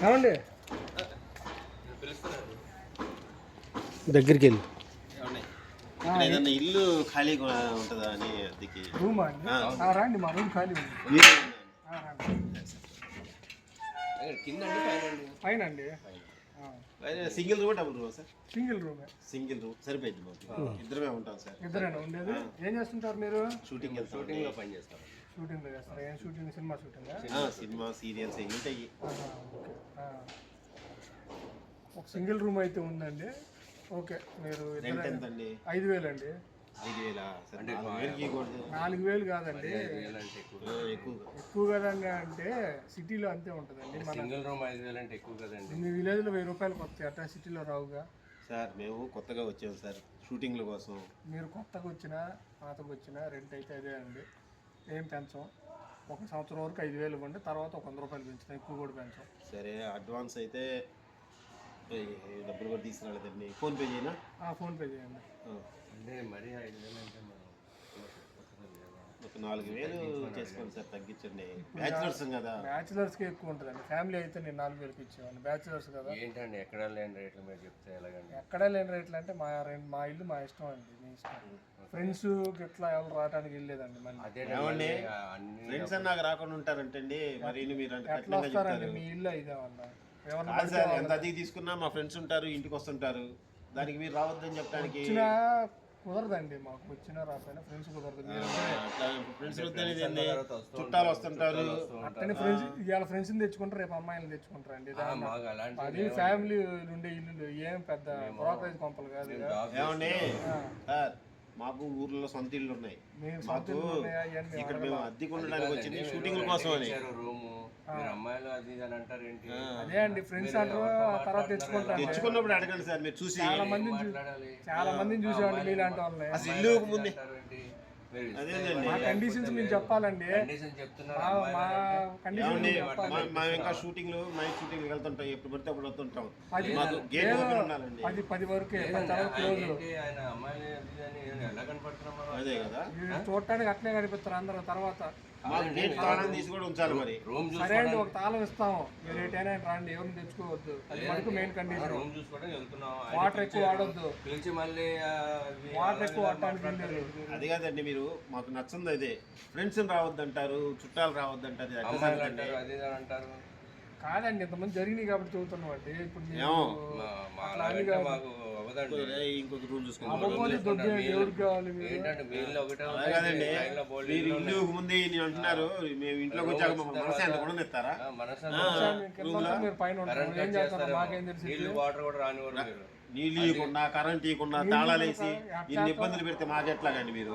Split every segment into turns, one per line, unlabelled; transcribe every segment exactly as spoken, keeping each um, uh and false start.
ఏమండి దగ్గరికి వెళ్ళి
ఏదన్నా ఇల్లు ఖాళీగా ఉంటుందా అని అద్దెకి
రూమా అండి రండి మా రూమ్ ఖాళీ ఉంది
కింద
పైన అండి
single room double room sir
single రూమే
సింగిల్ రూమ్ సరిపోయింది మాకు ఇద్దరమే ఉంటాం సార్
ఇద్దరేనా ఉండేది ఏం చేస్తుంటారు మీరు
షూటింగ్ షూటింగ్ లో పని చేస్తాం
షూటింగ్ లో చేస్తారు ఏం షూటింగ్ సినిమా షూటింగ్
సినిమా సీరియల్స్ ఏమి ఉంటాయి
ఒక సింగిల్ రూమ్ అయితే ఉందండి ఓకే మీరు
ఎంతండి
ఐదు వేలు అండి
ఐదు వేలా
నాలుగు వేలు కాదండి ఎక్కువ కదండి అంటే సిటీలో అంతే ఉంటుందండి
సింగిల్ రూమ్ ఐదు వేలు అంటే ఎక్కువ కదండి
మీ విలేజ్లో వెయ్యి రూపాయలకు వస్తాయి అట్లా సిటీలో రావుగా
సార్ మేము కొత్తగా వచ్చాము సార్ షూటింగ్ల కోసం
మీరు కొత్తగా వచ్చినా పాతకు వచ్చినా రెంట్ అయితే అదే అండి ఏం పెంచం ఒక సంవత్సరం వరకు ఐదు వేలు ఇవ్వండి తర్వాత ఒక వంద రూపాయలు పెంచుతాం ఎక్కువ కూడా పెంచం
సరే అడ్వాన్స్ అయితే డబ్బులు కూడా తీసుకురాలేదండి ఫోన్పే చేయనా
ఫోన్పే చేయండి
అంటే మరీ ఐదు వేలు అంటే మనం
ఒక నాలుగు వేలు చేసుకోండి సార్ తగ్గించండి బ్యాచులర్స్ కదా
బ్యాచులర్స్కి ఎక్కువ ఉంటుందండి ఫ్యామిలీ అయితే నేను నాలుగు వేలకి ఇచ్చేవాడిని బ్యాచులర్స్ కదా
ఏంటండి ఎక్కడ లేని రేట్లు మీరు చెప్తే ఎలాగండి
ఎక్కడ లేని రేట్లు అంటే మా మా ఇల్లు మా ఇష్టం అండి మీ ఇష్టం ఫ్రెండ్స్ ఇట్లా ఎవరు రావడానికి వెళ్ళలేదండి మళ్ళీ
ఫ్రెండ్స్ అని నాకు రాకుండా ఉంటారంటండి మరి మీరు
ఎట్లా వస్తారండి మీ ఇల్లు ఇదేమన్నా
ఎవరు ఎంత అదిగి తీసుకున్నా మా ఫ్రెండ్స్ ఉంటారు ఇంటికి వస్తుంటారు దానికి మీరు రావద్దని చెప్పడానికి
కుదరదండి మాకు వచ్చినా రాకపోయినా ఫ్రెండ్స్ కుదరదు
ఫ్రెండ్స్ చుట్టాలు వస్తుంటారు
అట్టనే ఫ్రెండ్స్ ఇవాళ ఫ్రెండ్స్ని తెచ్చుకుంటారు రేపు అమ్మాయిని తెచ్చుకుంటారు అండి అది ఫ్యామిలీ ఉండే ఇల్లు ఏం పెద్ద బ్రోకరేజ్ కొంపలు కాదు
ఏమండి మాకు ఊర్లో సొంత ఇల్లు ఉన్నాయి మాకు ఇక్కడ మేము అద్దెకు ఉండడానికి వచ్చింది షూటింగ్ కోసం అని
అమ్మాయిలు అది అని అంటారు ఏంటి
అదే అండి ఫ్రెండ్స్ అంటారు తర్వాత తెచ్చుకుంటారు
తెచ్చుకున్నప్పుడు అడగండి సార్ మీరు చూసి
చాలా మందిని చాలా మందిని చూసేవాళ్ళు మీలాంటి వాళ్ళని
అసలు ఇల్లు ముందే
మా కండిషన్స్ మేము చెప్పాలండి
మేము ఇంకా షూటింగ్ నైట్ షూటింగ్ వెళ్తుంటాం ఎప్పుడు పడితే అప్పుడు వస్తుంటాం
పది పది వరకు
అదే కదా
చూడటానికి అట్లే కనిపిస్తారు అందరూ తర్వాత
తీసి కూడా ఉంచాలి మరి
సరే అండి ఒక తాళం ఇస్తాము మీరు ఏటైనా రండి ఎవరిని తెచ్చుకోవద్దు అది మనకు మెయిన్ కండిషన్ వాటర్ ఎక్కువ వాడొద్దు వాటర్ ఎక్కువ వాడటానికి
అది కాదండి మీరు మాకు నచ్చింది అదే ఫ్రెండ్స్ రావద్దు అంటారు చుట్టాలు రావద్దు అంటారు
కాదండి ఇంతమంది జరిగినాయి కాబట్టి చదువుతున్నాం అండి ఇప్పుడు
ఇంకొక రూమ్
కాదండి
మీరు ఇల్లు ముందే అంటున్నారు మేము ఇంట్లోకి వచ్చాక మనసు ఎంత కూడా ఇస్తారా నీళ్ళు ఇవ్వకుండా కరెంట్ ఇవ్వకుండా తాళాలు వేసి ఇన్ని ఇబ్బందులు పెడితే మాకెట్లాగండి మీరు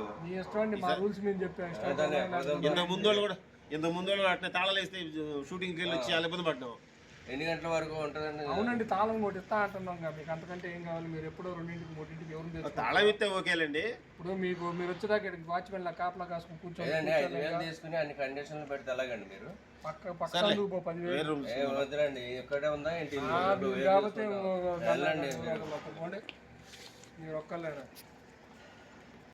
ఇంత ముందు కూడా ఇంత ముందు అట్లా తాళాలు వేస్తే షూటింగ్కి వెళ్ళి వచ్చి చాలా ఇబ్బంది పడ్డాం
ఎన్ని గంటల వరకు ఉంటుందండి
అవునండి తాళం కూడా ఇస్తా అంటున్నాం మీకు అంతకంటే ఏం కావాలి మీరు ఎప్పుడో రెండింటికి మూడింటికి ఎవరు
తాళం ఇస్తే ఓకేలండి
ఇప్పుడు మీకు మీరు వచ్చేదాకా వాచ్మెన్ లా కాపలా కాసుకుని
కూర్చొని తీసుకుని అన్ని కండిషన్లు పెడితే ఎలాగండి మీరు
పక్క పక్క పదివేలు
వద్దులండి ఇక్కడే ఉందా ఏంటి
కాబట్టి మీరు ఒక్కలేరా